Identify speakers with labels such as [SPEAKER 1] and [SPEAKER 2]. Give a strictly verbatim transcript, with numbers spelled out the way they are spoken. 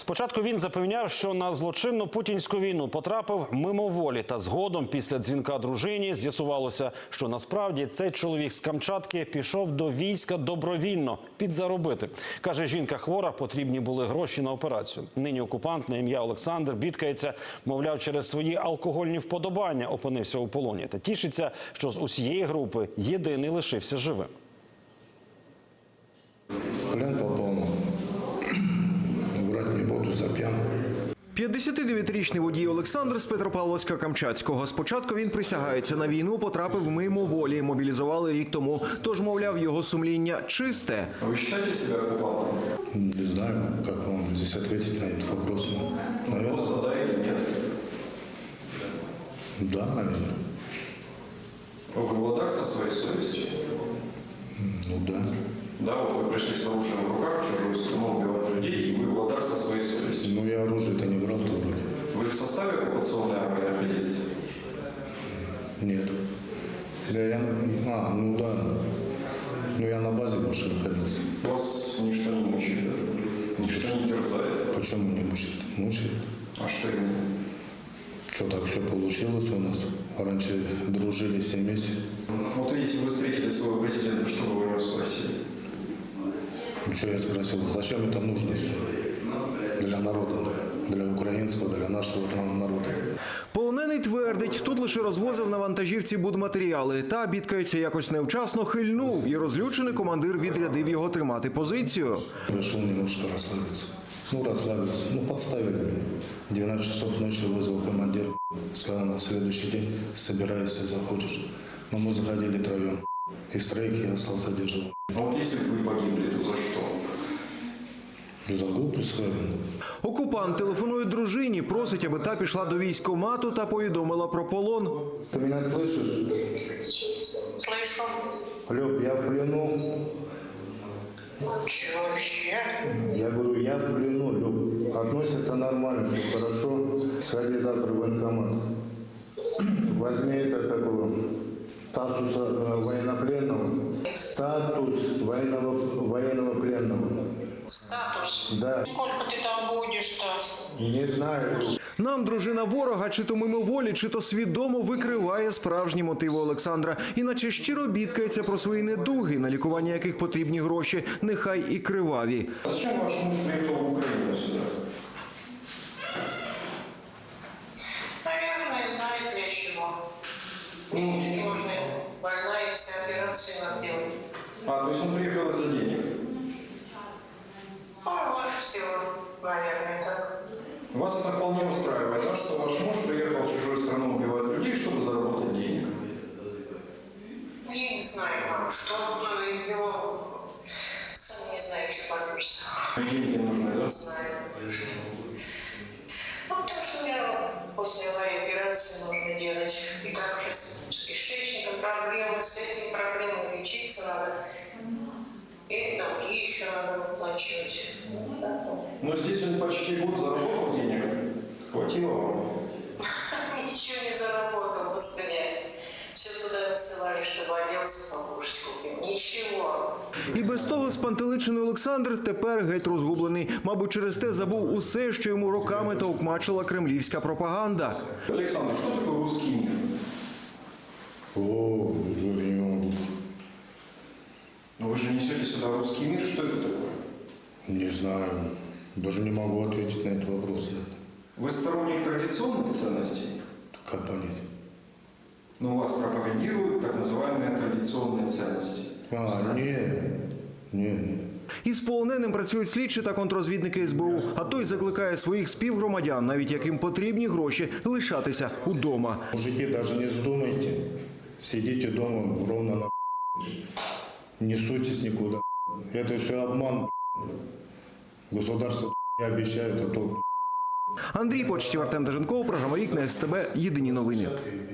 [SPEAKER 1] Спочатку він запевняв, що на злочинну путінську війну потрапив мимоволі, та згодом після дзвінка дружині з'ясувалося, що насправді цей чоловік з Камчатки пішов до війська добровільно підзаробити. Каже, жінка хвора, потрібні були гроші на операцію. Нині окупант на ім'я Олександр бідкається, мовляв, через свої алкогольні вподобання опинився у полоні. Та тішиться, що з усієї групи єдиний лишився живим.
[SPEAKER 2] Плен попал, врать не буду, зап'ян.
[SPEAKER 3] п'ятдесятидев'ятирічний водій Олександр з Петропавловська-Камчатського. Спочатку він присягається на війну, потрапив мимоволі. Мобілізували рік тому. Тож, мовляв, його сумління чисте.
[SPEAKER 4] Вы считаете себя оккупантом?
[SPEAKER 2] Не знаю, как вам здесь ответить на этот вопрос. Наверное,
[SPEAKER 4] Просто да или нет?
[SPEAKER 2] да, наверное.
[SPEAKER 4] Вы в ладах со своей совестью?
[SPEAKER 2] Ну да.
[SPEAKER 4] Да, вот вы пришли с оружием в руках в чужую страну убивать людей, и вы в ладах со своей совестью.
[SPEAKER 2] Ну я оружие-то не брал то вроде.
[SPEAKER 4] Вы в составе оккупационной армии находились?
[SPEAKER 2] Нет. Да я, а, ну да. Ну я на базе больше находился.
[SPEAKER 4] Вас ничто не мучает, да? Ничто не терзает.
[SPEAKER 2] Почему не мучит? Мучит.
[SPEAKER 4] А что именно?
[SPEAKER 2] Что так все получилось у нас? Раньше дружили все вместе.
[SPEAKER 4] Вот видите, вы встретили своего президента, что вы у него спросили?
[SPEAKER 2] Ну что я спросил, зачем это нужно для народа, для українського, для нашого народу?
[SPEAKER 3] Полонений твердить, тут лише розвозив на вантажівці будматеріали. Та, бідкається, якось невчасно хильнув. І розлючений командир відрядив його тримати позицію.
[SPEAKER 2] Решил немножко расслабиться. Ну, расслабился. Ну, подставили меня. двенадцать часов ночи вызвал командир. Сказал, на следующий день собираешься, заходишь. Но мы заходили троем. Из троих я остался держать.
[SPEAKER 4] А вот если бы вы погибли, то за что?
[SPEAKER 2] За глупость свою.
[SPEAKER 3] Окупант телефонує дружині, просить, аби та пішла до військкомату та повідомила про полон.
[SPEAKER 2] Ты меня слышишь?
[SPEAKER 5] Слышу.
[SPEAKER 2] Люб, я в плену.
[SPEAKER 5] Чего вообще?
[SPEAKER 2] Я говорю, я в плену, Люб. Относятся нормально, все хорошо. Сходи завтра в военкомат. Возьми это, как его, статус э, военнопленного. Статус военного, военного пленного.
[SPEAKER 5] Статус?
[SPEAKER 2] Да.
[SPEAKER 5] Сколько ты там будешь-то?
[SPEAKER 2] Не знаю.
[SPEAKER 3] Нам дружина ворога чи то мимоволі, чи то свідомо викриває справжні мотиви Олександра. Іначе щиро бідкається про свої недуги, на лікування яких потрібні гроші, нехай і криваві.
[SPEAKER 4] Зачем ваш муж приехал в Украину сюда?
[SPEAKER 5] Наверное, знает для чего. Денежки нужны. Больная, все операции надо делать.
[SPEAKER 4] А, то есть он приехал из-за денег?
[SPEAKER 5] Ну, больше всего, наверное, так.
[SPEAKER 4] Вас это вполне устраивает, да, что ваш муж приехал в чужую страну убивать людей, чтобы заработать денег?
[SPEAKER 5] Я не знаю, мам, что ну, его... Сам не знаю, что подписано.
[SPEAKER 4] Деньги нужны, да?
[SPEAKER 5] Не знаю. Ну, потому что у меня после аварии операции нужно делать. И так уже с, с кишечником проблемы, с этим проблемами лечиться надо. И долги еще надо выплачивать.
[SPEAKER 4] Но здесь он почти год заработал денег. Хватило вам?
[SPEAKER 5] Ничего не заработал, господи. Все туда высылали, чтобы оделся, покушать купил. Ничего.
[SPEAKER 3] І без того спантеличений Олександр тепер геть розгублений. Мабуть, через те забув усе, що йому роками товкмачила кремлівська пропаганда.
[SPEAKER 4] Александр, что такое русский мир?
[SPEAKER 2] О, я не могу.
[SPEAKER 4] Ну вы же несете сюда русский мир, что это такое?
[SPEAKER 2] Не знаю. Даже не могу ответить на этот вопрос.
[SPEAKER 4] Вы сторонник традиционных ценностей?
[SPEAKER 2] Как понять?
[SPEAKER 4] Но вас пропагандируют так называемые традиционные ценности.
[SPEAKER 2] А, нет. Нет, нет.
[SPEAKER 3] Із полоненим працюють слідчі та контррозвідники ес бе у, а той закликає своїх співгромадян, навіть яким потрібні гроші, лишатися удома.
[SPEAKER 2] Мужики, даже не вздумайте. Сидите дома ровно на не суйтесь никуда. Это все обман. Государство обещает, а то.
[SPEAKER 3] Андрій Почтів, Артем Деженков, програма «Вікна ес те бе», єдині новини.